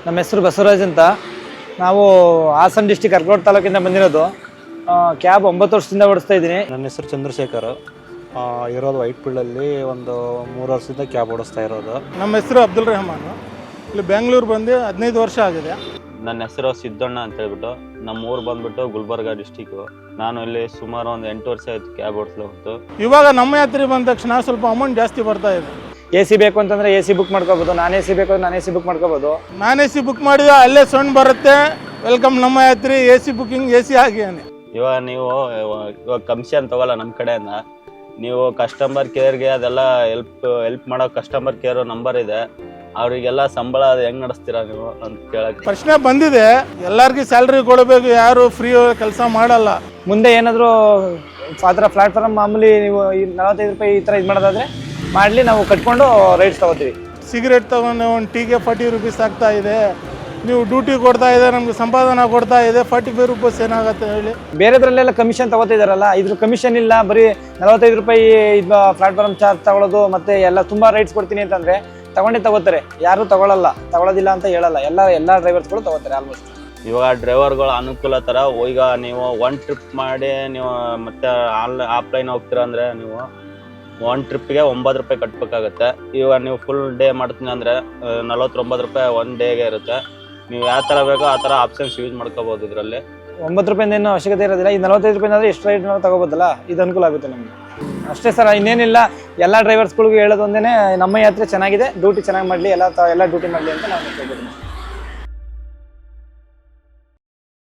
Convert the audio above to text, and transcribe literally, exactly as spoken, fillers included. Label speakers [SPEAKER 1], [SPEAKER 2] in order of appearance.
[SPEAKER 1] ನಮ್ಮ ಹೆಸರು ಬಸವರಾಜ್ ಅಂತ. ನಾವು ಹಾಸನ ಡಿಸ್ಟಿಕ್ ಅರ್ಕೋಟ್ ತಾಲೂಕಿಂದ ಬಂದಿರೋದು. ಕ್ಯಾಬ್ ಒಂಬತ್ತು ವರ್ಷದಿಂದ ಓಡಿಸ್ತಾ ಇದ್ದೀನಿ.
[SPEAKER 2] ನನ್ನ ಹೆಸರು ಚಂದ್ರಶೇಖರ್, ಇರೋದು ವೈಟ್ ಫೀಲ್ಡಲ್ಲಿ ಒಂದು ಮೂರು ವರ್ಷದಿಂದ ಕ್ಯಾಬ್ ಓಡಿಸ್ತಾ ಇರೋದು.
[SPEAKER 3] ನಮ್ಮ ಹೆಸರು ಅಬ್ದುಲ್ ರೆಹಮಾನ್, ಇಲ್ಲಿ ಬೆಂಗಳೂರು ಬಂದು ಹದಿನೈದು ವರ್ಷ ಆಗಿದೆ.
[SPEAKER 4] ನನ್ನ ಹೆಸರು ಸಿದ್ದಣ್ಣ ಅಂತ ಹೇಳ್ಬಿಟ್ಟು, ನಮ್ಮ ಊರು ಬಂದ್ಬಿಟ್ಟು ಗುಲ್ಬರ್ಗ ಡಿಸ್ಟಿಕ್ಕು. ನಾನು ಇಲ್ಲಿ ಸುಮಾರು ಒಂದು ಎಂಟು ವರ್ಷ ಆಯ್ತು ಕ್ಯಾಬ್ ಓಡಿಸ್ಲೋಗ್ತು.
[SPEAKER 3] ಇವಾಗ ನಮ್ಮ ಯಾತ್ರೆ ಬಂದ ತಕ್ಷಣ ಸ್ವಲ್ಪ ಅಮೌಂಟ್ ಜಾಸ್ತಿ ಬರ್ತಾ ಇದೆ.
[SPEAKER 1] ಎ ಸಿ ಬೇಕು ಅಂತಂದ್ರೆ ಎ ಸಿ ಬುಕ್ ಮಾಡ್ಕೋಬೋದು, ನಾನ್ ಎ ಸಿ ಬೇಕು ಅಂದ್ರೆ ನಾನ್ ಎ ಸಿ ಬುಕ್ ಮಾಡ್ಕೋಬೋದು.
[SPEAKER 3] ನಾನ್ ಎ ಸಿ ಬುಕ್ ಮಾಡಿದ್ರೆ ಅಲ್ಲೇ ಸೌಂಡ್ ಬರುತ್ತೆ, ವೆಲ್ಕಮ್ ನಮ್ಮ ಯಾತ್ರೆ, A C booking A C ಆಗಿಯಾನೆ.
[SPEAKER 4] ಇವಾಗ ನೀವು ಇವಾಗ ಕಮಿಷನ್ ತಗೋಲ್ಲ ನಮ್ಮ ಕಡೆಯಿಂದ. ನೀವು ಕಸ್ಟಮರ್ ಕೇರ್ಗೆ ಅದೆಲ್ಲ ಹೆಲ್ಪ್ ಹೆಲ್ಪ್ ಮಾಡೋ ಕಸ್ಟಮರ್ ಕೇರ್ ನಂಬರ್ ಇದೆ, ಅವರಿಗೆಲ್ಲ ಸಂಬಳ ಅದು ಹೆಂಗೆ ನಡೆಸ್ತೀರಾ ನೀವು ಅಂತ ಕೇಳಕ್ಕೆ
[SPEAKER 3] ಪ್ರಶ್ನೆ ಬಂದಿದೆ. ಎಲ್ಲರಿಗೂ ಸ್ಯಾಲ್ರಿ ಕೊಡಬೇಕು, ಯಾರು ಫ್ರೀ ಕೆಲಸ ಮಾಡಲ್ಲ.
[SPEAKER 1] ಮುಂದೆ ಏನಾದರೂ ಆ ಥರ ಪ್ಲಾಟ್ಫಾರ್ಮ್ ಮಾಮೂಲಿ ನೀವು ನಲವತ್ತೈದು ರೂಪಾಯಿ ಈ ಥರ ಇದು ಮಾಡೋದಾದ್ರೆ ಮಾಡಲಿ, ನಾವು ಕಟ್ಕೊಂಡು ರೈಟ್ಸ್ ತಗೋತೀವಿ.
[SPEAKER 3] ಸಿಗರೇಟ್ ತಗೊಂಡು ಒಂದು ಟೀಗೆ ಫಾರ್ಟಿ ರುಪೀಸ್ ಆಗ್ತಾ ಇದೆ. ನೀವು ಡ್ಯೂಟಿ ಕೊಡ್ತಾ ಇದೆ, ನಮ್ಗೆ ಸಂಪಾದನೆ ಕೊಡ್ತಾ ಇದೆ, ಫಾರ್ಟಿ ಫೈವ್ ರುಪೀಸ್ ಏನಾಗುತ್ತೆ ಹೇಳಿ.
[SPEAKER 1] ಬೇರೆದ್ರಲ್ಲೆಲ್ಲ ಕಮಿಷನ್ ತಗೋತಿದಾರಲ್ಲ, ಇದ್ರ ಕಮಿಷನ್ ಇಲ್ಲ, ಬರೀ ನಲವತ್ತೈದು ರೂಪಾಯಿ ಇದು ಪ್ಲಾಟ್ಫಾರ್ಮ್ ಚಾರ್ಜ್ ತಗೊಳ್ಳೋದು, ಮತ್ತೆ ಎಲ್ಲ ತುಂಬಾ ರೈಟ್ಸ್ ಕೊಡ್ತೀನಿ ಅಂತಂದ್ರೆ ತಗೊಂಡೇ ತಗೋತಾರೆ. ಯಾರು ತಗೊಳ್ಳಲ್ಲ, ತಗೊಳ್ಳೋದಿಲ್ಲ ಅಂತ ಹೇಳಲ್ಲ, ಎಲ್ಲ ಎಲ್ಲ ಡ್ರೈವರ್ಸ್ಗಳು ತಗೋತಾರೆ ಆಲ್ಮೋಸ್ಟ್.
[SPEAKER 4] ಇವಾಗ ಡ್ರೈವರ್ಗಳ ಅನುಕೂಲ ಥರ ಈಗ ನೀವು ಒನ್ ಟ್ರಿಪ್ ಮಾಡಿ ನೀವು ಮತ್ತೆ ಆನ್ ಆಫ್ಲೈನ್ ಹೋಗ್ತೀರಾ ಅಂದರೆ ನೀವು ಒನ್ ಟ್ರಿಪ್ಗೆ ಒಂಬತ್ತು ರೂಪಾಯಿ ಕಟ್ಟಬೇಕಾಗತ್ತೆ. ಇವಾಗ ನೀವು ಫುಲ್ ಡೇ ಮಾಡ್ತೀನಿ ಅಂದರೆ ನಲವತ್ತೊಂಬತ್ತು ರೂಪಾಯಿ ಒನ್ ಡೇಗೆ ಇರುತ್ತೆ. ನೀವು ಯಾವ ಥರ ಬೇಕೋ ಆ ಥರ ಆಪ್ಷನ್ಸ್ ಯೂಸ್ ಮಾಡ್ಕೋಬೋದು. ಇದರಲ್ಲಿ
[SPEAKER 1] ಒಂಬತ್ತು ರೂಪಾಯಿಂದ ಏನು ಅವಶ್ಯಕತೆ ಇರೋದಿಲ್ಲ. ಈ ನಲವತ್ತೈದು ರೂಪಾಯಿ ಅಂದರೆ ಎಷ್ಟು ರೈಟ್ ತಗೋಬೋದಲ್ಲ, ಇದು ಅನುಕೂಲ ಆಗುತ್ತೆ ನಮಗೆ ಅಷ್ಟೇ ಸರ್, ಇನ್ನೇನಿಲ್ಲ. ಎಲ್ಲ ಡ್ರೈವರ್ಸ್ಗಳಿಗೂ ಹೇಳೋದು ಒಂದೇ, ನಮ್ಮ ಯಾತ್ರೆ ಚೆನ್ನಾಗಿದೆ, ಡ್ಯೂಟಿ ಚೆನ್ನಾಗಿ ಮಾಡಲಿ, ಎಲ್ಲ ಎಲ್ಲ ಡ್ಯೂಟಿ ಮಾಡಲಿ ಅಂತ ನಾವು ಹೇಳ್ಬೋದು.